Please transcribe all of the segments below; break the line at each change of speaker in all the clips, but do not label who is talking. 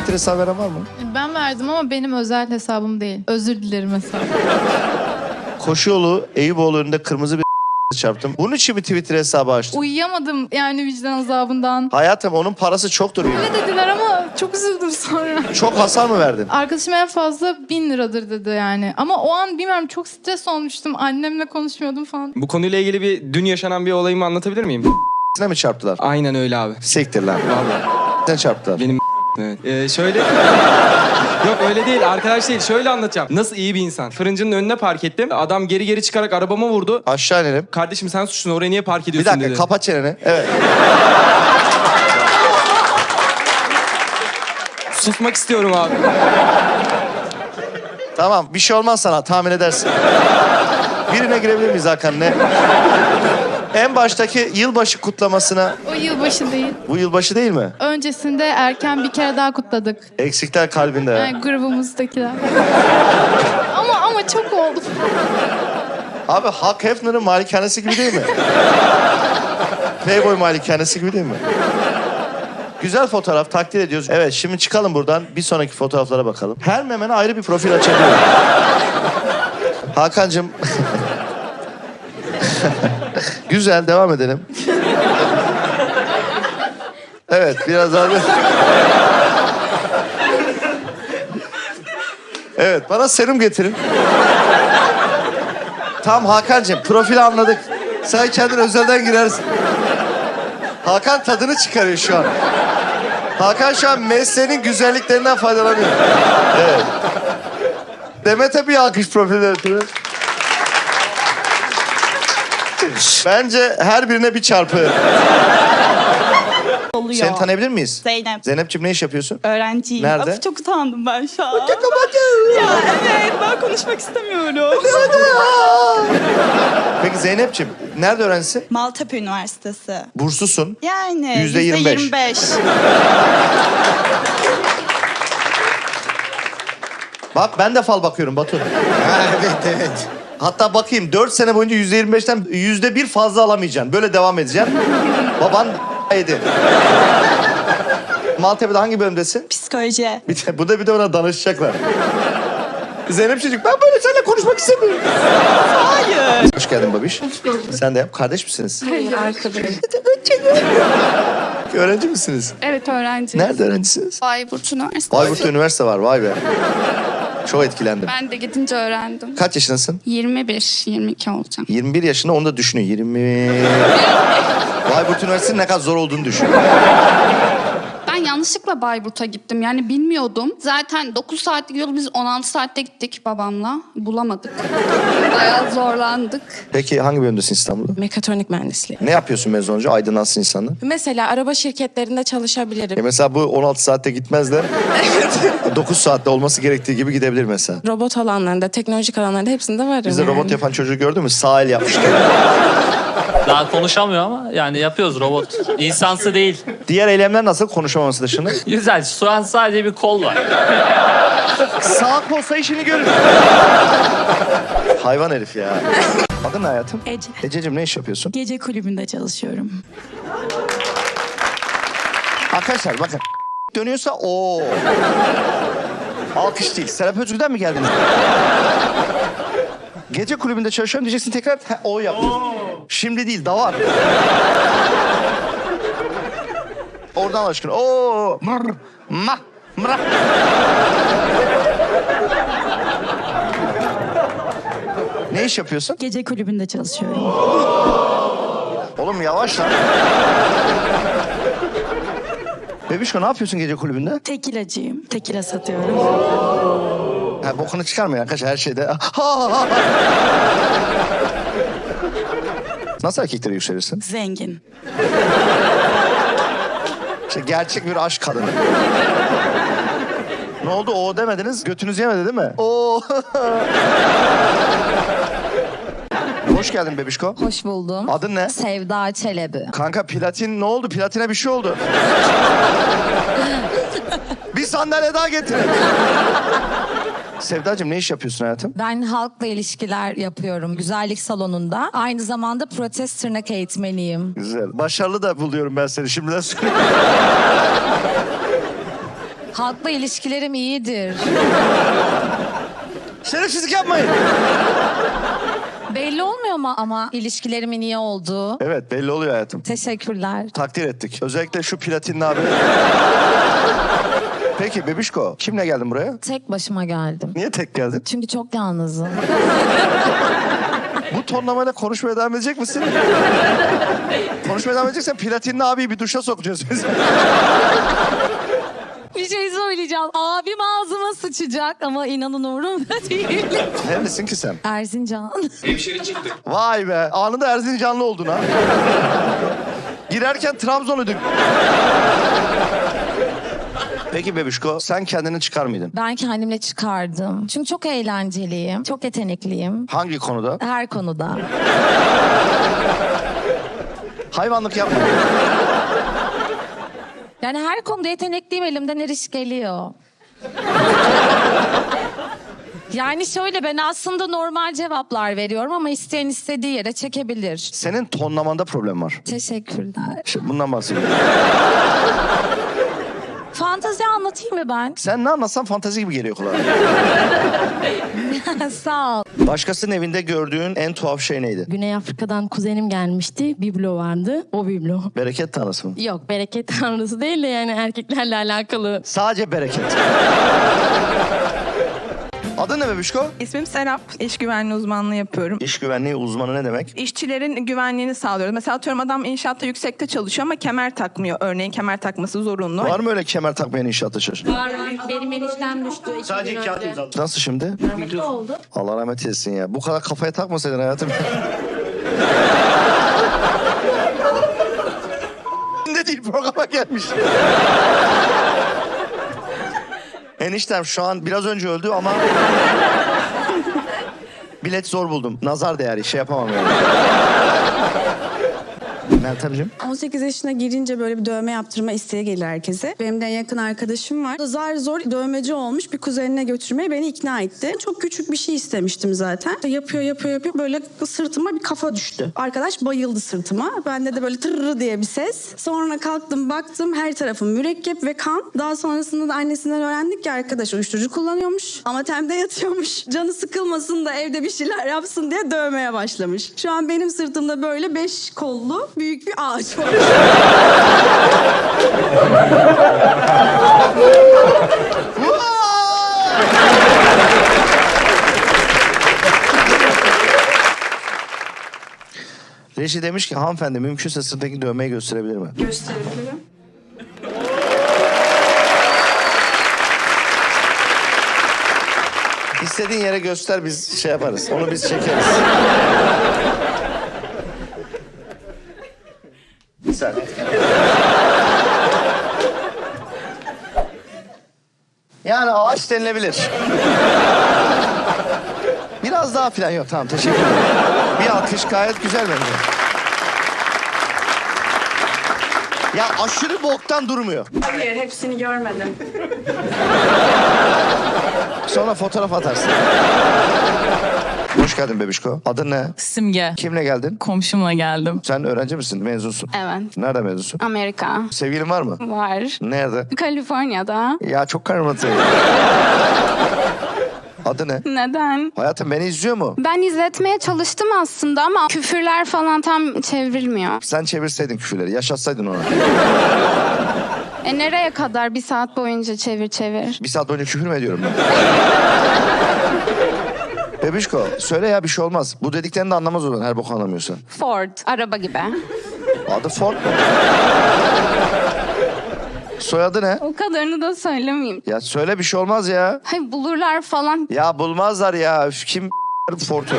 Twitter hesabı veren var mı?
Ben verdim ama benim özel hesabım değil. Özür dilerim hesabım.
Koşu yolu Eyüboğlu önünde kırmızı bir çarptım. Bunun için mi Twitter hesabı açtın?
Uyuyamadım yani vicdan azabından.
Hayatım onun parası çoktur.
Ne dediler ama çok üzüldüm sonra.
Çok hasar mı verdin?
Arkadaşım en fazla 1000 liradır dedi yani. Ama o an bilmiyorum çok stres olmuştum. Annemle konuşmuyordum falan.
Bu konuyla ilgili dün yaşanan bir olayımı anlatabilir miyim?
Ne mi çarptılar?
Aynen öyle abi.
Siktir lan.
Vallahi.
Sen çarptılar.
Benim evet. Şöyle... Yok öyle değil arkadaş değil. Şöyle anlatacağım. Nasıl iyi bir insan. Fırıncının önüne park ettim. Adam geri çıkarak arabama vurdu.
Aşağı inelim.
Kardeşim sen suçlusun oraya niye park
Bir
ediyorsun
dakika
dedi.
kapat çeneni. Evet.
Susmak istiyorum abi.
Tamam bir şey olmaz sana tahmin edersin. Birine girebilir miyiz Hakan ne? En baştaki yılbaşı kutlamasına...
O yılbaşı değil.
Bu yılbaşı değil mi?
Öncesinde erken bir kere daha kutladık.
Eksikler kalbinde.
Yani grubumuzdakiler. ama çok oldu.
Abi Hugh Hefner'ın malikanesi gibi değil mi? Playboy malikanesi gibi değil mi? Güzel fotoğraf, takdir ediyoruz. Evet, şimdi çıkalım buradan. Bir sonraki fotoğraflara bakalım. Her memene ayrı bir profil açabiliyorum. Hakan'cığım... Güzel, devam edelim. Evet, biraz daha... Evet, bana serum getirin. Tamam Hakan'cığım, profili anladık. Sen kendin özelden girersin. Hakan tadını çıkarıyor şu an. Hakan şu an mesleğinin güzelliklerinden faydalanıyor. Evet. Demet'e bir alkış profilden ötürü. Bence her birine bir çarpı.
Oluyor.
Seni tanıyabilir miyiz?
Zeynep.
Zeynep'ciğim ne iş yapıyorsun?
Öğrenciyim.
Nerede?
Of, çok utandım ben şu an. Ya evet ben konuşmak istemiyorum.
Peki Zeynep'ciğim nerede öğrencisin?
Maltepe Üniversitesi.
Burslusun.
Yani
%25.
%25.
Bak ben de fal bakıyorum Batu. Evet. Hatta bakayım 4 sene boyunca %25'ten %1 fazla alamayacaksın. Böyle devam edeceksin. Baban yedi. Maltepe'de hangi bölümdesin?
Psikoloji.
Bir de ona danışacaklar. Zeynep çocuk ben böyle seninle konuşmak istemiyorum.
Hayır.
Hoş geldin babiş. Hoş bulduk. Sen de yap. Kardeş misiniz?
Hayır, arkadaşım.
Öğrenci misiniz?
Evet, öğrenci.
Nerede öğrencisiniz?
Bayburt Üniversitesi.
Bayburt'ta üniversite var. Vay be. Çok etkilendim.
Ben de gidince öğrendim.
Kaç yaşındasın?
21, 22 olacağım.
21 yaşında onu da düşünüyor. 20... Bayburt Üniversitesi'nin ne kadar zor olduğunu düşün.
Ben yanlışlıkla Bayburt'a gittim. Yani bilmiyordum. Zaten 9 saatlik yolu biz 16 saatte gittik babamla. Bulamadık. Bayağı zorlandık.
Peki hangi bölümdesin İstanbul'da?
Mekatronik mühendisliği.
Ne yapıyorsun mezun olunca? Aydınlansın insanlar.
Mesela araba şirketlerinde çalışabilirim.
Mesela bu 16 saatte gitmez de 9 saatte olması gerektiği gibi gidebilir mesela.
Robot alanlarında, teknolojik alanlarda hepsinde varım.
Bizde
yani.
robot yapan çocuğu gördün mü? Sağ el yapmıştı.
Daha konuşamıyor ama yani yapıyoruz robot. İnsansı değil.
Diğer eylemler nasıl konuşamaması dışında?
Güzel. Şu an sadece bir kol var.
Sağ olsa işini görür. Hayvan herif ya. Adın ne hayatım?
Ece.
Ececiğim ne iş yapıyorsun?
Gece kulübünde çalışıyorum.
Arkadaşlar bakın. Dönüyorsa o. Alkış değil. Serap Özgür'den mi geldiniz? Gece kulübünde çalışıyorum diyeceksin tekrar o yap. Şimdi değil daha var. Oradan aşkına. Oo. Mır. Ma. Mıra. Ne iş yapıyorsun?
Gece kulübünde çalışıyorum.
Oğlum yavaş lan. Bebişko ne yapıyorsun gece kulübünde?
Tekilacıyım. Tekila satıyorum.
Ha, bokunu çıkarmayın arkadaşlar her şeyde. Nasıl erkeklere yükselirsin?
Zengin.
İşte gerçek bir aşk kadını. Ne oldu o demediniz? Götünüz yemedi değil mi? Oo. Hoş geldin bebişko.
Hoş buldum.
Adın ne?
Sevda Çelebi.
Kanka platin ne oldu? Platine bir şey oldu. Bir sandalye daha getirin. Sevdacığım ne iş yapıyorsun hayatım?
Ben halkla ilişkiler yapıyorum güzellik salonunda. Aynı zamanda protez tırnak eğitmeniyim.
Güzel. Başarılı da buluyorum ben seni şimdiden söyleyeyim.
Halkla ilişkilerim iyidir.
Şerefsizlik yapmayın.
Belli olmuyor mu ama ilişkilerimin iyi olduğu?
Evet belli oluyor hayatım.
Teşekkürler.
Takdir ettik. Özellikle şu platinli abi. Peki bebişko kimle geldin buraya?
Tek başıma geldim.
Niye tek geldin?
Çünkü çok yalnızım.
Bu tonlamayla konuşmaya devam edecek misin? Konuşmaya devam edeceksen platinli abiyi bir duşa sokacağız biz.
Bir şey söyleyeceğim. Abim ağzıma sıçacak ama inanın umurumda değil.
Neredesin ki sen?
Erzincan.
Vay be anında Erzincanlı oldun ha. Girerken Trabzon'uyduk. Peki bebişko sen kendini çıkar mıydın?
Ben kendimle çıkardım. Çünkü çok eğlenceliyim. Çok yetenekliyim.
Hangi konuda?
Her konuda.
Hayvanlık yapma.
Yani her konuda yetenekliyim, elimden her iş geliyor. Yani şöyle, ben aslında normal cevaplar veriyorum ama isteyen istediği yere çekebilir.
Senin tonlamanda problem var.
Teşekkürler.
İşte bundan bahsediyorum.
Fantezi anlatayım mı ben?
Sen ne anlatsan fantezi gibi geliyor kulağa.
Sağ ol.
Başkasının evinde gördüğün en tuhaf şey neydi?
Güney Afrika'dan kuzenim gelmişti. Biblo vardı. O biblo.
Bereket tanrısı mı?
Yok, bereket tanrısı değil de yani erkeklerle alakalı.
Sadece bereket. Adın ne bebişko?
İsmim Serap. İş güvenliği uzmanlığı yapıyorum.
İş güvenliği uzmanı ne demek?
İşçilerin güvenliğini sağlıyoruz. Mesela atıyorum adam inşaatta yüksekte çalışıyor ama kemer takmıyor. Örneğin kemer takması zorunlu.
Var mı öyle kemer takmayan inşaatta çalışan?
Benim eniştem düştü.
Sadece kağıt imzaladı. Nasıl şimdi?
oldu.
Allah rahmet eylesin ya. Bu kadar kafaya takmasaydın hayatım. Ne değil programa gelmiş. Eniştem şu an biraz önce öldü ama... bilet zor buldum. Nazar değeri şey yapamam yani. Meltemciğim.
18 yaşına girince böyle bir dövme yaptırma isteği gelir herkese. Benim de en yakın arkadaşım var. Zar zor dövmeci olmuş, bir kuzenine götürmeye beni ikna etti. Çok küçük bir şey istemiştim zaten. Yapıyor böyle sırtıma bir kafa düştü. Arkadaş bayıldı sırtıma. Bende de böyle tırrı diye bir ses. Sonra kalktım baktım her tarafım mürekkep ve kan. Daha sonrasında da annesinden öğrendik ki arkadaş uyuşturucu kullanıyormuş. Ama temde yatıyormuş. Canı sıkılmasın da evde bir şeyler yapsın diye dövmeye başlamış. Şu an benim sırtımda böyle 5 kollu büyük bir ağaç var.
Reji demiş ki hanımefendi mümkünse sırtındaki dövmeyi gösterebilir mi?
Gösterebilirim.
İstediğin yere göster biz şey yaparız. Onu biz çekeriz. Sen. Yani ağaç denilebilir. Biraz daha falan yok. Tamam teşekkür ederim. Bir alkış gayet güzel bence. Ya aşırı boktan durmuyor.
Hayır, hepsini görmedim.
Sonra fotoğraf atarsın. Hoş geldin bebişko. Adın ne?
Simge.
Kimle geldin?
Komşumla geldim.
Sen öğrenci misin? Mezunsun.
Evet.
Nerede mezunsun?
Amerika.
Sevgilin var mı?
Var.
Nerede?
Kaliforniya'da.
Ya çok karmatı. Adı ne?
Neden?
Hayatım beni izliyor mu?
Ben izletmeye çalıştım aslında ama küfürler falan tam çevrilmiyor.
Sen çevirseydin küfürleri, yaşatsaydın ona.
Nereye kadar bir saat boyunca çevir?
Bir saat boyunca küfür mü ediyorum ben? Bebişko, söyle ya bir şey olmaz. Bu dediklerini de anlamaz o zaman her boku anlamıyorsa.
Ford. Araba gibi.
Adı Ford mu? Soyadı ne?
O kadarını da söylemeyeyim.
Ya söyle bir şey olmaz ya.
Hayır bulurlar falan.
Ya bulmazlar ya. Üf, kim Ford'u?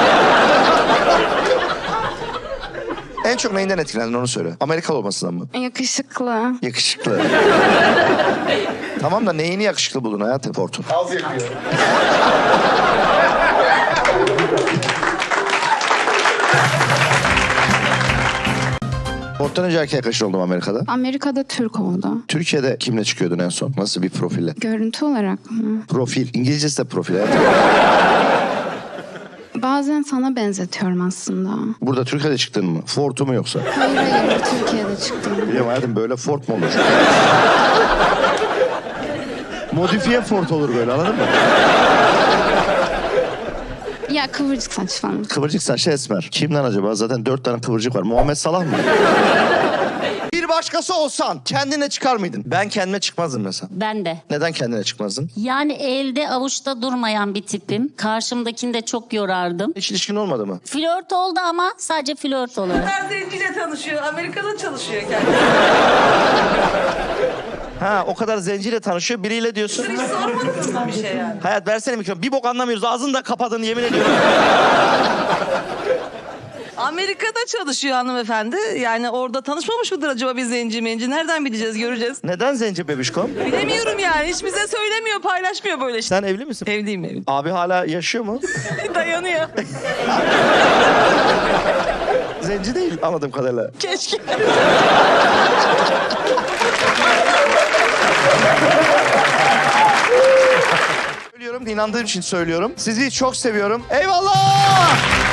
En çok neyinden etkilendin onu söyle. Amerikalı olmasından mı?
Yakışıklı.
Yakışıklı. Tamam da neyini yakışıklı buldun hayatım Ford'un? Az yakıyor. Ford'dan önce erkek arkadaşın oldum Amerika'da.
Amerika'da Türk oldu.
Türkiye'de kimle çıkıyordun en son? Nasıl bir profille?
Görüntü olarak mı?
Profil. İngilizcesi de profil hayatım.
Bazen sana benzetiyorum aslında.
Burada Türkiye'de çıktın mı? Ford'u mu yoksa?
Hayır Türkiye'de çıktım.
Biliyorum hayatım böyle Ford mu olur? Modifiye Ford olur böyle, anladın mı?
Ya kıvırcık saç falan.
Kıvırcık saçlı esmer. Kimden acaba? Zaten 4 tane kıvırcık var. Muhammed Salah mı? Bir başkası olsan kendine çıkar mıydın? Ben kendime çıkmazdım mesela.
Ben de.
Neden kendine çıkmazdın?
Yani elde avuçta durmayan bir tipim. Karşımdakini de çok yorardım.
Hiç ilişkin olmadı mı?
Flört oldu ama sadece flört olarak.
Zenciyle tanışıyor. Amerika'da çalışıyor kendisi.
Ha, o kadar zenciyle tanışıyor, biriyle diyorsun.
Hiç sormadınız mı bir şey yani?
Hayat versene mikrofonu. Bir bok anlamıyoruz. Ağzını da kapadın, yemin ediyorum.
Amerika'da çalışıyor hanımefendi. Yani orada tanışmamış mıdır acaba bir zenci menci? Nereden bileceğiz, göreceğiz.
Neden zenci bebişkom?
Bilemiyorum yani. Hiç bize söylemiyor, paylaşmıyor böyle şey.
Sen evli misin?
Evliyim, evliyim.
Abi hala yaşıyor mu?
Dayanıyor.
Zenci değil anladığım kadarıyla.
Keşke.
Söylüyorum, inandığım için söylüyorum. Sizi çok seviyorum. Eyvallah!